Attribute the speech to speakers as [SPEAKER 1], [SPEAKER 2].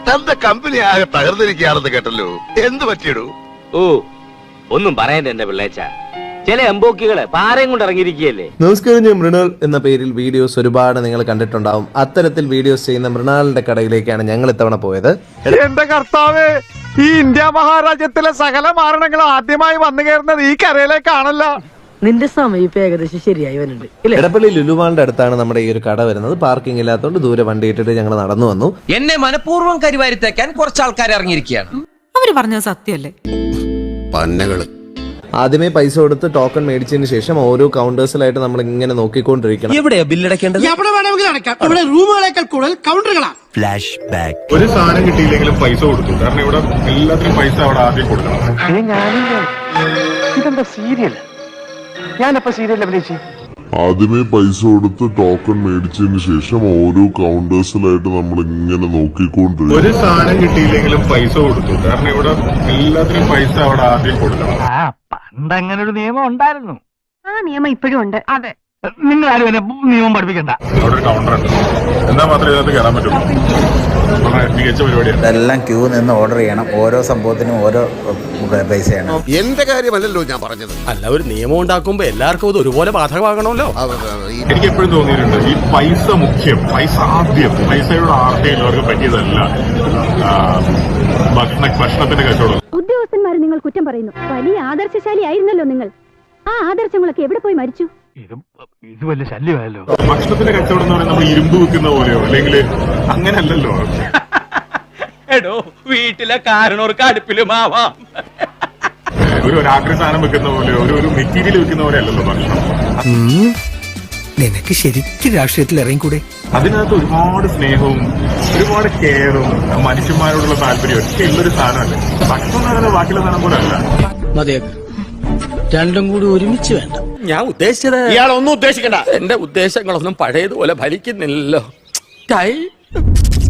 [SPEAKER 1] തന്റെ കമ്പനി ആകെ തകർന്നിരിക്കുകയാണെന്ന് കേട്ടല്ലോ. എന്ത് പറ്റിയിടൂ?
[SPEAKER 2] ഓ, ഒന്നും പറയണ്ട എന്റെ പിള്ളേച്ച. ചില എംബോക്കികള് പാറയും കൊണ്ട് ഇറങ്ങിയിരിക്കുകയല്ലേ.
[SPEAKER 3] നമസ്കാരം, ഞാൻ മൃണാൾ എന്ന പേരിൽ വീഡിയോസ് ഒരുപാട് നിങ്ങൾ കണ്ടിട്ടുണ്ടാവും. അത്തരത്തിൽ വീഡിയോസ് ചെയ്യുന്ന മൃണാളിന്റെ കടയിലേക്കാണ് ഞങ്ങൾ ഇത്തവണ പോയത്.
[SPEAKER 4] എന്റെ കർത്താവേ, ഈ ഇന്ത്യ മഹാരാജ്യത്തിലെ സകല മാരണങ്ങൾ ആദ്യമായി വന്നു കയറുന്നത് ഈ കരയിലേക്കാണല്ലോ.
[SPEAKER 5] നിന്റെ സമയം ഇപ്പൊ ഏകദേശം ശരിയായി വരുന്നുണ്ട്.
[SPEAKER 3] എടപ്പള്ളി ലുലുമാളിന്റെ അടുത്താണ് നമ്മുടെ ഈ ഒരു കട വരുന്നത്. പാർക്കിംഗ് ഇല്ലാത്തതുകൊണ്ട് ദൂരെ വണ്ടി ഇട്ടിട്ട് ഞങ്ങൾ നടന്നു വന്നു.
[SPEAKER 6] എന്നെ മനഃപൂർവ്വം കരിവാരിത്തേക്കാൻ കുറച്ച് ആൾക്കാർ ഇറങ്ങിയിരിക്കുകയാണ്.
[SPEAKER 7] അവര് പറഞ്ഞത് സത്യമല്ലേ?
[SPEAKER 1] പന്നകള്.
[SPEAKER 3] ആദ്യമേ പൈസ കൊടുത്ത് ടോക്കൺ മേടിച്ചതിന് ശേഷം ഓരോ കൗണ്ടേഴ്സിലായിട്ട് നമ്മൾ ഇങ്ങനെ നോക്കിക്കൊണ്ടിരിക്കണം.
[SPEAKER 6] എവിടെയാ ബില്ലടക്കേണ്ടത്?
[SPEAKER 8] എവിടെ വേണമെങ്കിലും അടയ്ക്കാം. ഇവിടെ റൂമുകളേക്കാൾ കൂടുതൽ കൗണ്ടറുകളാണ്.
[SPEAKER 6] Flash back.
[SPEAKER 9] ഒരു സാധനം കിട്ടിയില്ലെങ്കിലും പൈസ കൊടുത്തു. കാരണം ഇവിടെ എല്ലാത്തിനും പൈസ അവിടെ ആദ്യം കൊടുക്കണം.
[SPEAKER 4] ഇതെന്താ സീരിയൽ? ഞാനപ്പോ സീരിയൽ അഭിനയിച്ചു.
[SPEAKER 10] ആദ്യമേ പൈസ കൊടുത്ത് ടോക്കൺ മേടിച്ചതിന് ശേഷം ഓരോ കൗണ്ടേഴ്സിലായിട്ട് നമ്മൾ ഇങ്ങനെ നോക്കിക്കൊണ്ടിരിക്കും.
[SPEAKER 9] ഒരു സാധനം കിട്ടിയില്ലെങ്കിലും പൈസ കൊടുത്തു. കാരണം ഇവിടെ എല്ലാത്തിനും പൈസ അവിടെ ആദ്യം കൊടുക്കണം.
[SPEAKER 4] പണ്ട് അങ്ങനെ ഒരു നിയമം ഉണ്ടായിരുന്നു.
[SPEAKER 7] ആ നിയമം ഇപ്പോഴും ഉണ്ട്.
[SPEAKER 4] അതെ, നിങ്ങൾ ആരും എന്നെ നിയമം പഠിപ്പിക്കണ്ട.
[SPEAKER 9] അവിടെ ഒരു കൗണ്ടർ ഉണ്ട്. എന്നാൽ മാത്രമേ ഇതിനകത്ത് കയറാൻ പറ്റുള്ളൂ. വളരെ മികച്ച പരിപാടിയാണ്.
[SPEAKER 11] ഇതെല്ലാം ക്യൂ നിന്ന് ഓർഡർ ചെയ്യണം. ഓരോ സംഭവത്തിനും ഓരോ പൈസയാണ്.
[SPEAKER 1] എന്റെ കാര്യമല്ലല്ലോ ഞാൻ പറഞ്ഞത്.
[SPEAKER 8] അല്ല, ഒരു നിയമം ഉണ്ടാക്കുമ്പോ എല്ലാവർക്കും ഇത് ഒരുപോലെ ബാധകമാകണമല്ലോ.
[SPEAKER 9] എനിക്ക് എപ്പോഴും തോന്നിയിട്ടുണ്ട്, ഈ പൈസ മുഖ്യം, പൈസ ആദ്യം. പൈസയുടെ ആർത്തിയിൽ അവർക്ക് പറ്റിയതല്ല ഭക്ഷണത്തിന്റെ കച്ചവടം.
[SPEAKER 7] ഉദ്യോഗസ്ഥന്മാരെ നിങ്ങൾ കുറ്റം പറയുന്നു. വലിയ ആദർശശാലി ആയിരുന്നല്ലോ നിങ്ങൾ. ആ ആദർശങ്ങളൊക്കെ എവിടെ പോയി മരിച്ചു?
[SPEAKER 4] ഇത് വലിയ ശല്യമായല്ലോ.
[SPEAKER 9] ഭക്ഷണത്തിന്റെ കച്ചവടം എന്ന് പറയുന്നത് നമ്മൾ ഇരുമ്പ് വെക്കുന്ന പോലെയോ അല്ലെങ്കിൽ അങ്ങനെയല്ലല്ലോ.
[SPEAKER 6] എടോ, വീട്ടിലെ കാരണവർക്ക് അടുപ്പിലുമാവാം.
[SPEAKER 9] ഒരു ആക്രി സാധനം വെക്കുന്ന പോലെയോ ഒരു മെറ്റീരിയൽ വെക്കുന്ന പോലെ അല്ലല്ലോ ഭക്ഷണം.
[SPEAKER 8] നിനക്ക് ശരിക്കും രാഷ്ട്രീയത്തിൽ ഇറങ്ങിക്കൂടെ?
[SPEAKER 9] അതിനകത്ത് ഒരുപാട് സ്നേഹവും ഒരുപാട് കെയറും മനുഷ്യന്മാരോടുള്ള താല്പര്യം ഒക്കെ ഉള്ളൊരു സാധനമല്ലേ. ഭക്ഷണം എന്ന് പറയുന്നത് ബാക്കിയുള്ള സാധനം പോലെ അല്ല.
[SPEAKER 8] മതിയാക്ക്, രണ്ടും കൂടി ഒരുമിച്ച് വേണ്ട.
[SPEAKER 6] ഞാൻ ഉദ്ദേശിച്ചത്
[SPEAKER 8] ഇയാളൊന്നും ഉദ്ദേശിക്കണ്ട.
[SPEAKER 6] എന്റെ ഉദ്ദേശങ്ങളൊന്നും പഴയതുപോലെ ഫലിക്കുന്നില്ലല്ലോ.